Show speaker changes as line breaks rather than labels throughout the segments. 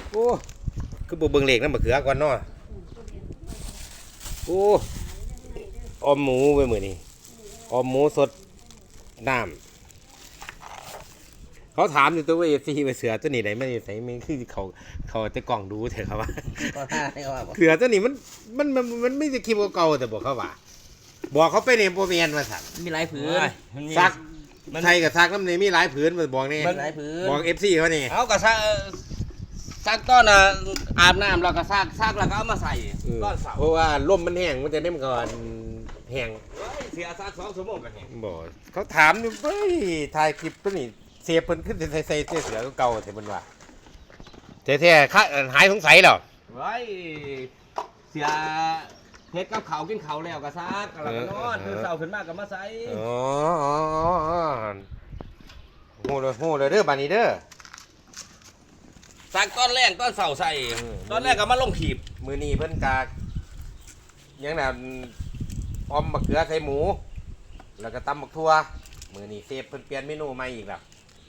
โอ้คือบ่เบิ่งเลขนำบักเขือก่อนเนาะโอ้ออมหมูไว้มื้อนี้ออมหมูสดน้ำเขาถามอยู่ตัวว่า FC ไปเสือตัวนี้ได้มันอยู่ไสมันคือเขาจะกล่องดูเถอะครับว่า
ก็ท่าให้เขาว่าบ่
เสือตัวนี้มันไม่ได้คลิปเก่าๆแต่บอกเขาว่าบอกเขาไปในโปรเมียนมาสั่น
มีหลายผืน
ซักไทยกับซักน้ำในมีหลายผืนมาบอกนี่
มีหลายผืน
บอก FC เขานี่
เอาก็ซักต้อนอาบน้ำแล้วก็ซักแล้วก็เอามาใส่ต้อนเสา
เพราะว่าลมมันแห้งมันจะได้มันก่อนแห้ง
เสียซัก2 ชั่วโมงกันเอง
บอกเขาถามอยู่เฮ้ยถ่ายคลิปตัวนี้เสียเพิ่นขึ้นใส่เสือเก่าแต่เพิ่นว่าแท้ๆหายสงสัยแล้ว
ไว้เสียเฮ็ดกับเขาวกินเขาวแล้วก็ซักแล้วก็นอนตื่นเช้าขึ้นมาก็มาใส่
อ๋อโหเลยเด้อบัดนี้เด้อ
ซักต้นแรกต้นเสาใส่ต้นแรกก็มาลงขีบ
มื้อนี้เพิ่นกากยังน่ะออมบักเขือใส่หมู แล้วก็ตำบักทั่วมื้อนี้เซฟเพิ่นเปลี่ยนเมนูใหม่อีกแล้ว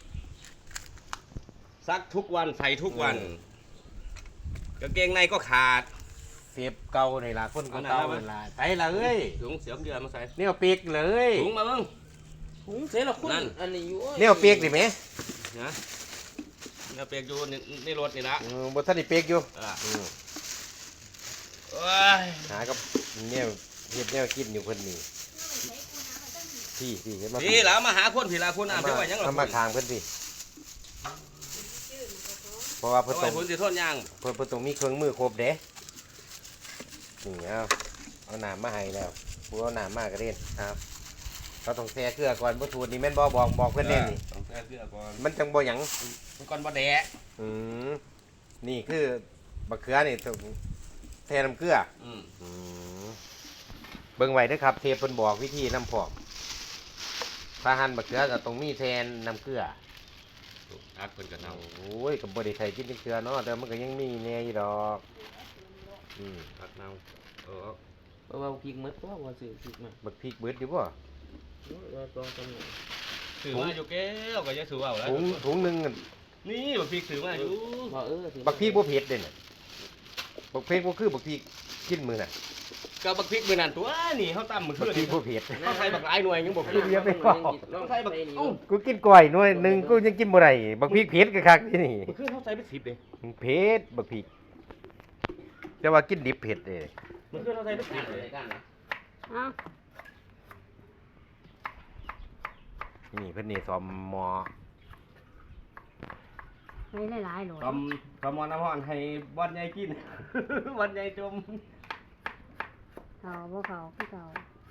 ซักทุกวันใส่ทุกวันกางเกงในก็ขาด
เซฟเก่านี่ล่ะคนเก่านี่ล่ะใส่ละเอ้ย
ถุงเสียมเดือมาใส่
แนวเปียกเลย
ถุงมาเบิ่ง
ถุงเสียละคุณ
นั่น
อันนี้อยู่
แนวเปียกดิแม่
นะเนี่ยเปียกอยู่ในรถนี่ละ
บ่ทันได้เปียกอยู่
อ่า
อืม
โอ้ย
หากับแนวเฮ็ดแนวกินอยู่เพิ่นนี่พี่เฮ็ดมา
พี่แล้วมาหาคนพี่ละคนอ่ะพี่ว่ายังหรอ
เอามาทางเพิ่นพี่เพราะว่าเพิ่น
เอา
ต้
ไว้
อง
ผลสิโทษยัง
เพิ่นต้องมีเครื่องมือครบเด้นี่เอาน้ำมาให้แล้วผู้เอาน้ำมาก็เล่นครับเขาต้องแช่เกลือก่อนบ่ทูดนี่แม่นบ่บอกเพิ่นแน่นี่
ต้องแก้เสื้อก่อน
มันจังบ่หยัง
มันก่อนบ่แดะ
อืมนี่คือบักเขือนี่ต้องแทน้ำเกลือ
อืม
อืมเบิ่งไว้เด้อครับเทปเพิ่นบอกวิธีน้ำพอกถ้าหั่นบักเขือก็ต้องมีแทนน้ำเกลือ
อักเพิ่นก็เน่า
โอ้ยก็บ่ได้ใส่กินเกลือเนาะแต่มันก็ยังมีแหน่อยู่ดอกอืม
อักเน่าเออ
เพราะว่าพริกหมดตัวว่าซื้อพริกมา
บักพริกเบิดอยู่บ่
เราต้องจำหน่าย
ถือมาอยู่แก้วก็จะถือเอาแล้ว
ถุงหนึงอะ
นี่บักพริกถือมาอยู่
พอสิ
บักพริกบ่เผ็ดเด้น่ะบักพริกบ่คือบักพริกกินมื้อน่ะ
ก็บักพริกมื้อนั้นตัวนี่เฮาตำมื้อ
บั
คื
ก
น
พริ
นี่
กบ่เผ็ด
เฮาใส่บักหลายหน่วยยังบ่
พริ
พริ
ก
ก
เยอะไปพอ
ลอง
ใส่บัก
นี่
เอ้า
กูกินก้อยหน่วยหนึงกูยังกินบ่ได้บักพริกเผ็ดก็คักที่นี่
มื้อคืนเฮาใส่ไป10เด้
เผ็ดบักพริกแต่ว่ากินดิบเผ็ดเด้
มื้อคืนเฮาใส่ไป
กัน
10
เล
เด้
ยกันนะ
อ้าว
นี่เพิ่นนี่ซ้อมหมอ
ไม่หลายๆหรอก
ทำมอน้ำร้อนให้บ่อนใหญ่กิน บ่อนใหญ่จม
เขาบ่เขาคือเขา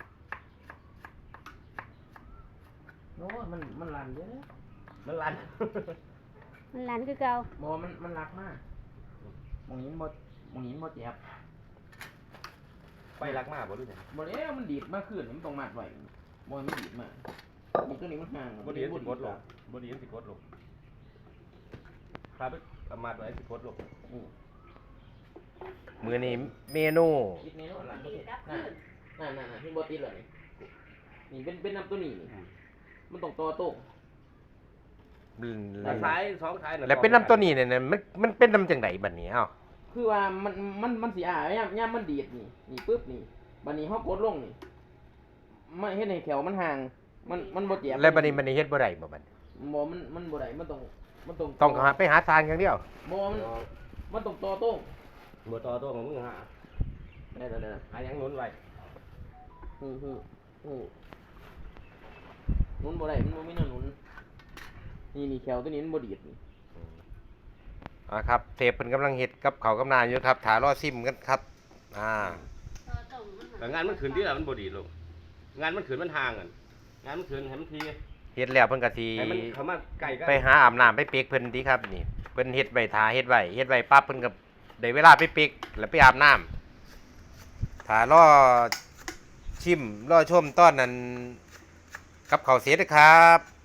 โน้มันลันเด้อ
มันลั่น
มันหลานคือเก่า
บ่มันรักมากมองนี้บ่เจ็บ
ไปรักมากบ่รู้จัก
บ่แล้วมันดีดมาขึ้นมันต้องมัดไว้บ่มันดีดมามันตัวนี้มันห่าง
บ่ดีสิกดลงบ่ดีสิกดลงครับเอามาไว้สิกดลง
มื้อนี้เมนู
คิดในโน้ตหลังบ่ติดนั่นที่บ่ติดเลยนี่เป็นน้ำตัวนี้นี่มันต้องต่อโต๊ะ
ซ้ายสองซ้าย
แล้วเป็นน้ำตัวนี้เนี่ยนะมันเป็นน้ำจังไดบัดนี้เอ้า
คือว่ามันสิย่ามมันดีดนี่ปึ๊บนี่บัดนี้เฮากดลงนี่มันเฮ็ดให้แขวมันห่างมันบ่เจ็บ
แล้วบัดนี้มันเฮ็ดบ่ได้บ่บัดนี้
บ่มันบ่ได้มันต้อง
ต้องไปหาทางอย่างเดียว
บ่มันต้องต่อโต๊ะ
บ่ต่อตัวของมึงฮะ
ได้ๆ
หายังหนุนไว้
ๆฮู้หนุนบ่ได้มันบ่มีแนวหนุนนี่แขวตัวนี้มันบ่ดีดนี่
ครับเทปเพิ่นกำลังเฮ็ดกับข้าวกับน้ำอยู่ครับถ่ารอซิมกันครับ
แต่งานมันขึ้นที่ละมันบ่ดีลงงานมันขึ้นมันห่างกันงานมันขึ้นให้มันที
เฮ็ดแล้วเพิ่นก็สิ
ให้มันเข้ามาใกล้กัน
ไปหาอาบน้ำไปเปียกเพิ่นติครับนี่เพิ่นเฮ็ดไว้ท่าเฮ็ดไว้ปั๊บเพิ่นก็ได้เวลาไปเปียกแล้วไปอาบน้ำถ่ารอชิมรอชมตอนนั้นกับข้าวเสร็จนะครับ